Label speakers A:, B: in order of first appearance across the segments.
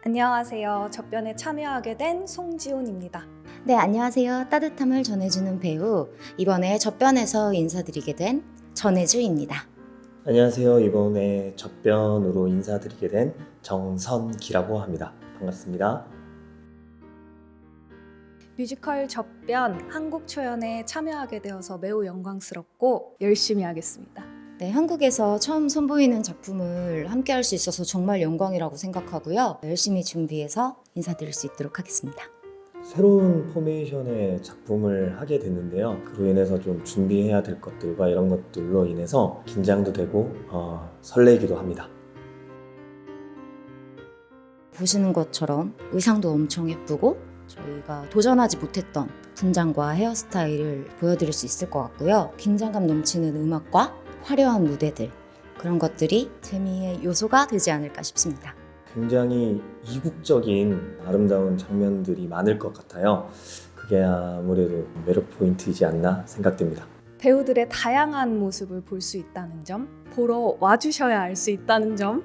A: 안녕하세요. 접변에 참여하게 된 송지훈입니다.
B: 네, 안녕하세요. 따뜻함을 전해주는 배우, 이번에 접변에서 인사드리게 된 전혜주입니다.
C: 안녕하세요. 이번에 접변으로 인사드리게 된 정선기라고 합니다. 반갑습니다.
A: 뮤지컬 접변 한국 초연에 참여하게 되어서 매우 영광스럽고 열심히 하겠습니다.
B: 네, 한국에서 처음 선보이는 작품을 함께 할 수 있어서 정말 영광이라고 생각하고요. 열심히 준비해서 인사드릴 수 있도록 하겠습니다.
C: 새로운 포메이션의 작품을 하게 됐는데요. 그로 인해서 좀 준비해야 될 것들과 이런 것들로 인해서 긴장도 되고 설레기도 합니다.
B: 보시는 것처럼 의상도 엄청 예쁘고 저희가 도전하지 못했던 분장과 헤어스타일을 보여드릴 수 있을 것 같고요. 긴장감 넘치는 음악과 화려한 무대들, 그런 것들이 재미의 요소가 되지 않을까 싶습니다.
C: 굉장히 이국적인 아름다운 장면들이 많을 것 같아요. 그게 아무래도 매력 포인트이지 않나 생각됩니다.
A: 배우들의 다양한 모습을 볼 수 있다는 점, 보러 와주셔야 알 수 있다는 점.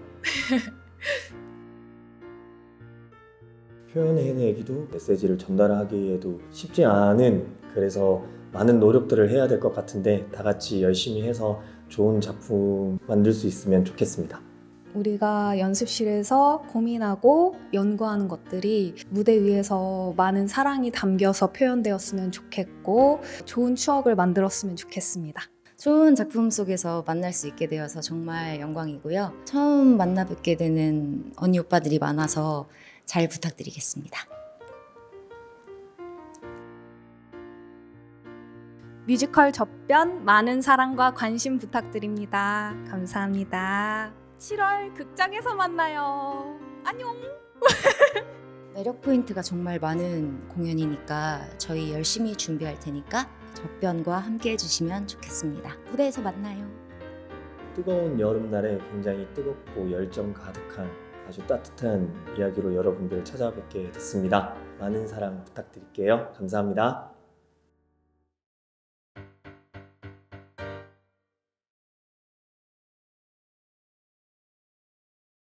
C: 표현해내기도 메시지를 전달하기에도 쉽지 않은, 그래서 많은 노력들을 해야 될 것 같은데 다 같이 열심히 해서 좋은 작품 만들 수 있으면 좋겠습니다.
A: 우리가 연습실에서 고민하고 연구하는 것들이 무대 위에서 많은 사랑이 담겨서 표현되었으면 좋겠고 좋은 추억을 만들었으면 좋겠습니다.
B: 좋은 작품 속에서 만날 수 있게 되어서 정말 영광이고요. 처음 만나 뵙게 되는 언니 오빠들이 많아서 잘 부탁드리겠습니다.
A: 뮤지컬 접변 많은 사랑과 관심 부탁드립니다. 감사합니다. 7월 극장에서 만나요. 안녕!
B: 매력 포인트가 정말 많은 공연이니까 저희 열심히 준비할 테니까 접변과 함께 해주시면 좋겠습니다. 무대에서 만나요.
C: 뜨거운 여름날에 굉장히 뜨겁고 열정 가득한 아주 따뜻한 이야기로 여러분들을 찾아뵙게 됐습니다. 많은 사랑 부탁드릴게요. 감사합니다.